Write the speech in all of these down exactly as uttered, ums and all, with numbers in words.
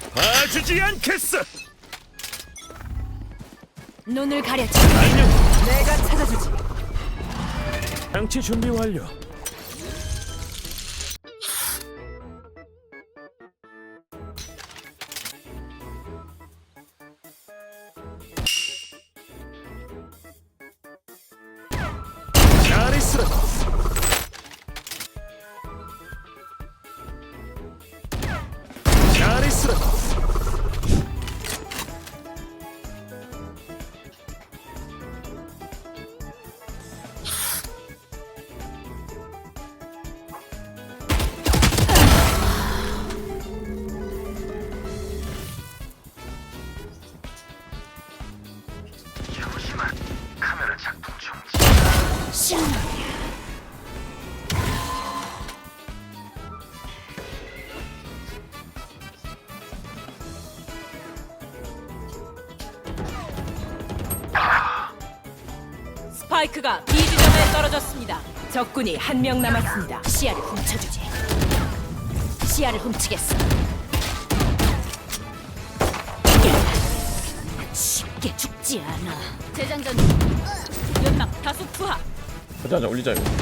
봐주지 않겠어. 눈을 가려줘. 안녕. 내가 찾아주지. 장치 준비 완료. 잘 있으라. 잘 있으라. 스파이크가 B 지점에 떨어졌습니다. 적군이 한 명 남았습니다. 시야를 훔쳐주지. 시야를 훔치겠어. 쉽게 죽지 않아. 재장전. 연막 다수 투하. 가자 가자 올리자 이거.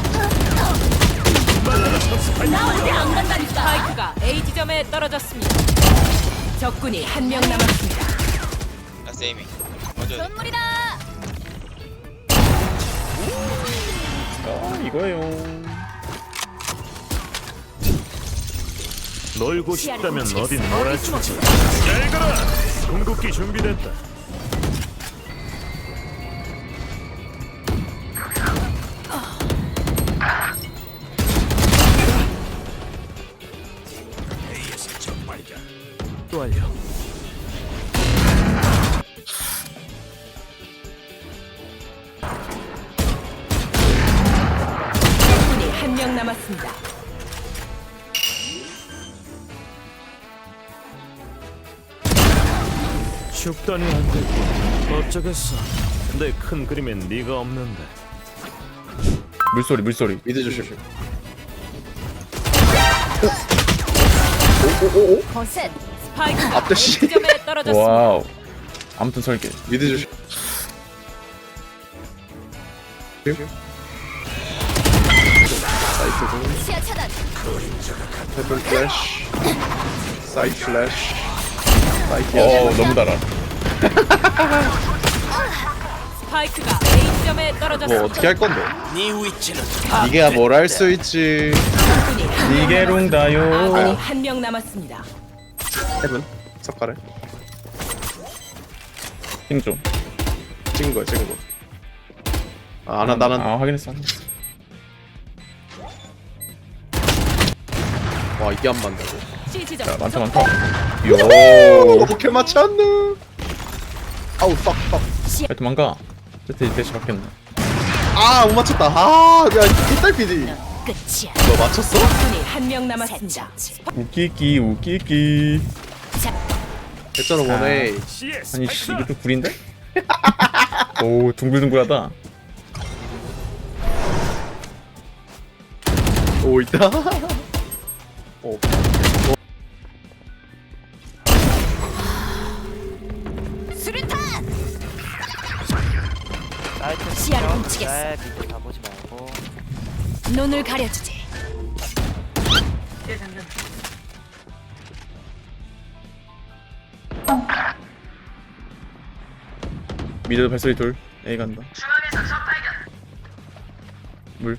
나 어디 안 간다니까. 스파이크가 A 지점에 떨어졌습니다. 적군이 한 명 남았습니다. That's aiming. 먼저 선물이다. 아 이거예요. 놀고 싶다면 시야를 어딘 훔치겠어. 놀아주지. 잘 가라. 궁극기 준비됐다. 완료. 적군이 한 명 남았습니다. 죽다니 안 되고 어쩌겠어. 내 큰 그림엔 네가 없는데. 물소리 물소리. 미드 조심. 거센. 스파이크가 앞대 A 씨. 지점에 떨어졌습니다. 와우. 아무튼 설계. 미드 조심. 시야 차단. 페블 플래시 사이드 플래시 사이드 어 너무 달아. 스파이크가 A 지점에 뭐 떨어졌습니다. 어떻게 할 건데? 네 위치는 니가 뭘 할 수 있지? 적군이 한 명 니게롱다요. 아군이 한 명 남았습니다. 헤븐 석가래 힘 좀. 찍은 거야 찍은 거. 아 나, 나는 아 확인했어. 확인했어. 와 이게 안 맞는다고. C 지점. 야 많다 많다. 오 요. 어떻게 맞지 않노? 아우 빡빡. 하여튼 망가. 세트 대시 바뀌었네. 아못 맞췄다. 아야 뒷달 피디. 끝이야. 너 맞췄어? 적군이 한 명 남았습니다. 웃기기 웃기기. 됐잖아 원에. 씨에스. 아니 씨 이거 좀 구린데? 오 둥글둥글하다. 오 있다. 오. 수류탄. 시야를 훔치겠어. 밑에 가보지 말고 눈을 가려주지. 미드 발소리 둘. A 간다. 물.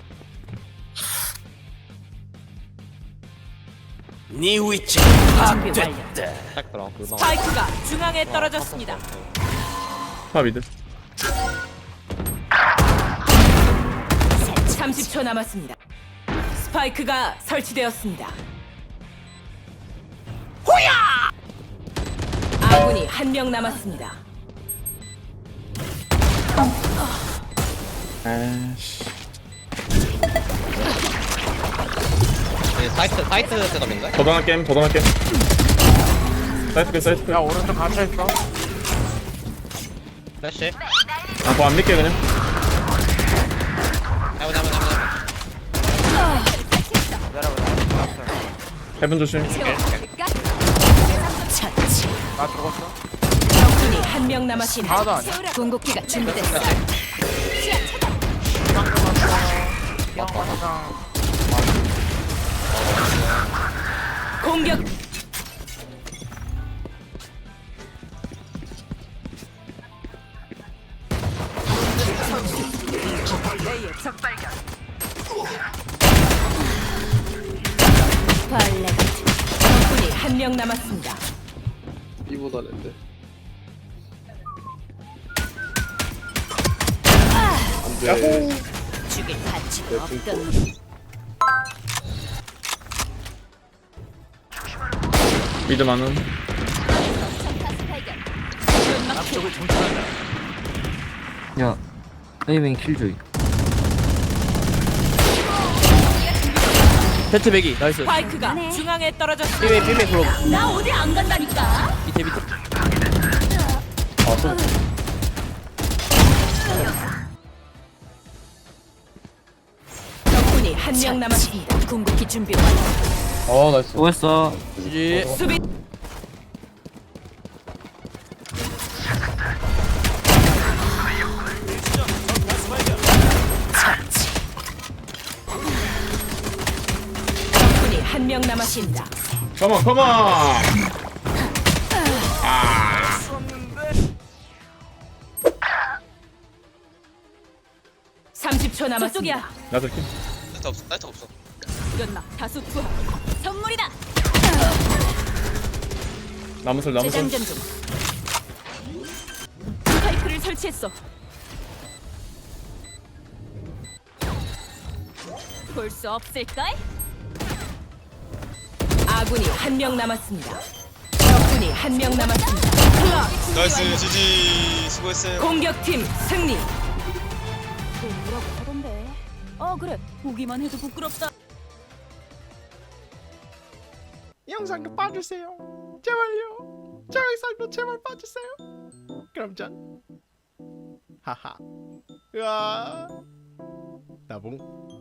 네 위치 준비 완료. 딱 들어. 물방. 스파이크가 중앙에 떨어졌습니다. 파 미드. 삼십 초 남았습니다. 스파이크가 설치되었습니다. 호야! 아군이 한 명 남았습니다. 아씨. 이제 사이트 사이트 셋업인가? 더더나 게임 더더나 게임. 사이트 게 사이트 게. 야 오른쪽 갇혀있어. 플래시. 아, 뭐 안 믿게 그냥. 해보자 해보자 해보자. 기다려보자. 해븐 조심. 첫 나 죽었어. 적군이 한 명 남았습니다. 하나도 아니야. 궁극기가 준비됐어. 형 항상 공격. 벌레. 적군이 한 명 남았습니다. 이보다 낸데. 안돼. 죽일 가치가 내 없던. 분포. 미드 많은. 앞쪽을 정찰한다. 야, 에이밍 킬조이. 세트 배기 나이스. 스파이크가 중앙에 떨어졌습니다. 삐메 삐메 그럼 나 어디 안 간다니까. 밑에 밑에. 아, 좀. 적군이 한 명 남았습니다. 궁극기 준비 완료. 어, 나이스. 수고했어. 지지. 수비. 처치. 적군이 한 명 남았습니다. 컴온, 컴온! 삼십 초 남았습니다. 나도 킬. 사이트 없어 사이트 없어 연막 다수 투하. 선물이다. 나무설, 나무설. 재장전 중. 스파이크를 설치했어. 볼 수 없을까? 아군이 한 명 남았습니다. 적군이 한 명 남았습니다. 클럽. 나이스 지지 수고했어요 공격팀 승리. 뭐라고 하던데? 어 그래. 보기만 해도 부끄럽다. 영상도 봐주세요. 제발요. 저 영상도 제발 봐주세요. 그럼 전 하하. 으아. 나봉.